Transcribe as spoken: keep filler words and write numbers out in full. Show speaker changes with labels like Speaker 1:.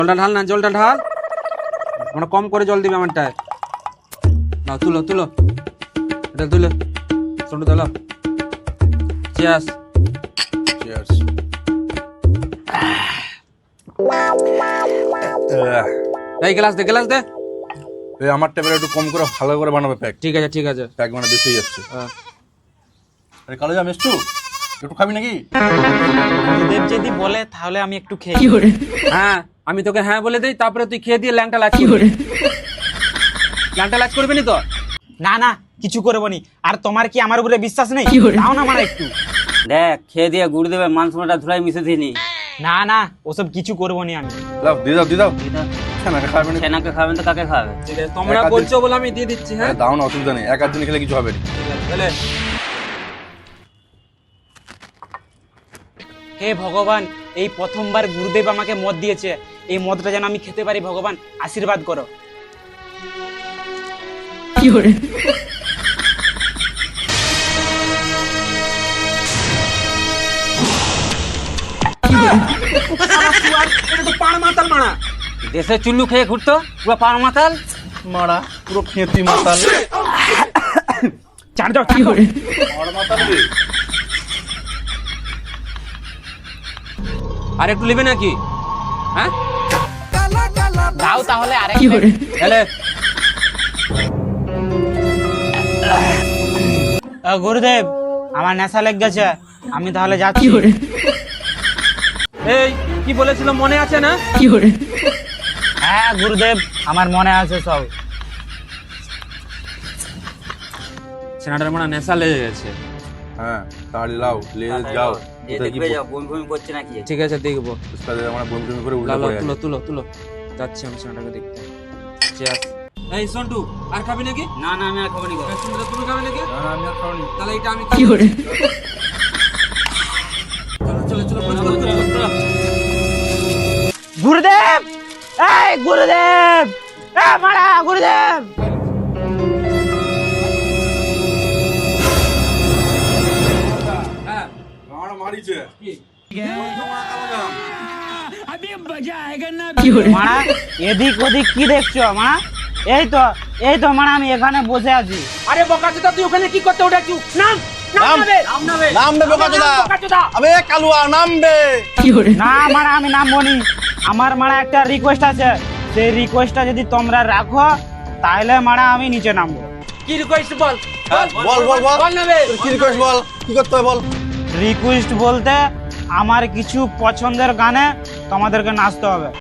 Speaker 1: জলটা ঢাল না, জলটা ঢাল। আমরা কম করে জল দিবে আমারটায়। নাও তুলো তুলো, এটা তুলো, ছোট তোলো। চিয়ার্স।
Speaker 2: চিয়ার্স।
Speaker 1: এই গ্লাস দে, গ্লাস দে।
Speaker 2: এই আমার টেবিলে একটু কম করে ভালো করে বানাবে প্যাক।
Speaker 1: ঠিক আছে ঠিক আছে।
Speaker 2: প্যাক মানে বেশি যাচ্ছে।
Speaker 1: হ্যাঁ।
Speaker 2: আরে কালো জাম এসছু, একটু খাবি নাকি?
Speaker 3: গুরুদেব যদি বলে তাহলে আমি একটু খেয়ে
Speaker 1: হ্যাঁ, আমি তোকে হ্যাঁ বলে দেই, তারপরে তুই খেয়ে দিয়ে ল্যাংটা লাচ করবি। ল্যাংটা লাচ করবি নি তো?
Speaker 3: না না কিছু করবো নি। আর তোমার কি আমার উপরে বিশ্বাস নেই? দাও না মানে একটু।
Speaker 4: দেখ খেয়ে দিয়ে গুরুদেবের মান সম্মানটা ধুলাই মিশে দিনি।
Speaker 3: না না ওসব কিছু করবো নি আমি।
Speaker 2: লাও দিয়ে দাও দিয়ে দাও। ছানাকে খাবে না।
Speaker 4: সেনাকে খাবেন তো কাকে খাবে?
Speaker 1: ঠিক আছে, তোমরা
Speaker 2: এক আধ
Speaker 1: বলছো বলে আমি দিয়ে দিচ্ছি। হ্যাঁ
Speaker 2: আরে দাও না, অসুবিধা নেই, এক আধ দিন খেলে কিছু হবে না।
Speaker 1: ঠিক আছে, তাহলে
Speaker 3: হে ভগবান, এই প্রথমবার গুরুদেব আমাকে মদ দিয়েছে, এই মদটা যেন আমি খেতে পারি। ভগবান আশীর্বাদ করো।
Speaker 1: এটা তো পাড় মাতাল মারা।
Speaker 4: দেশে চুল্লু খেয়ে ঘুরতো পুরো পান মাতাল।
Speaker 2: মারা পুরো খেতি মাতাল।
Speaker 3: চার যাও কি করে?
Speaker 2: মারা মাতাল রে।
Speaker 1: আর একটু নেবে নাকি? হ্যাঁ
Speaker 3: দাও তাহলে আরেক।
Speaker 1: তাহলে
Speaker 3: আহ, গুরুদেব আমার নেশা লেগে গেছে, আমি তাহলে যাচ্ছি।
Speaker 1: এই কি বলেছিল মনে আছে না?
Speaker 3: হ্যাঁ গুরুদেব আমার মনে আছে সব।
Speaker 1: সেনাটার মানে নেশা লেগে গেছে।
Speaker 2: হ্যাঁ তাড়ি লাও, নিয়ে যাও।
Speaker 4: যে দেখবে যাও বমি বমি করছে নাকি।
Speaker 1: ঠিক আছে দেখবো।
Speaker 2: উস্তাদ আমরা বমি বমি করে উল্টো
Speaker 1: লালো
Speaker 2: পড়ে
Speaker 1: তুলো
Speaker 2: আছে।
Speaker 1: তুলো তুলো, যাচ্ছি আমি সেনাটাকে দেখতে। চিয়ার্স। এই সন্টু আর খাবি নাকি?
Speaker 4: না না আমি আর খাবো নি গো।
Speaker 1: এই, সন্টু, তুমি খাবে নাকি?
Speaker 2: না না আমি আর খাওয়ানি।
Speaker 1: তাহলে এটা আমি কি করে? চলো চলো চলো চলো, চলো, চলো, চলো।
Speaker 3: গুরুদেব এই গুরুদেব, এ মারা গুরুদেব।
Speaker 1: হ্যাঁ
Speaker 2: মারা মারিছে।
Speaker 3: মারা এদিক ওদিক কি দেখছো মারা? এই তো এই তো মারা আমি এখানে বসে আছি।
Speaker 1: আরে বোকাচোদা, তুই ওখানে কি করতে উঠেছিস? নাম নাম নামবে নামবে
Speaker 2: নামবে বোকাচোদা।
Speaker 1: বোকাচোদা।
Speaker 2: আবে কালুয়া নামবে।
Speaker 3: না মারা আমি নামবো নি। আমার মারা একটা রিকোয়েস্ট আছে, সেই রিকোয়েস্টটা যদি তোমরা রাখো তাহলে মারা আমি নিচে নামবো।
Speaker 1: কি রিকোয়েস্ট বল?
Speaker 2: হ্যাঁ, বল বল বল।
Speaker 1: বল নেবে।
Speaker 2: তোর কি রিকোয়েস্ট বল, কি করতে হবে বল।
Speaker 3: রিকোয়েস্ট বলতে আমার কিছু পছন্দের গানে তোমাদেরকে নাচতে হবে।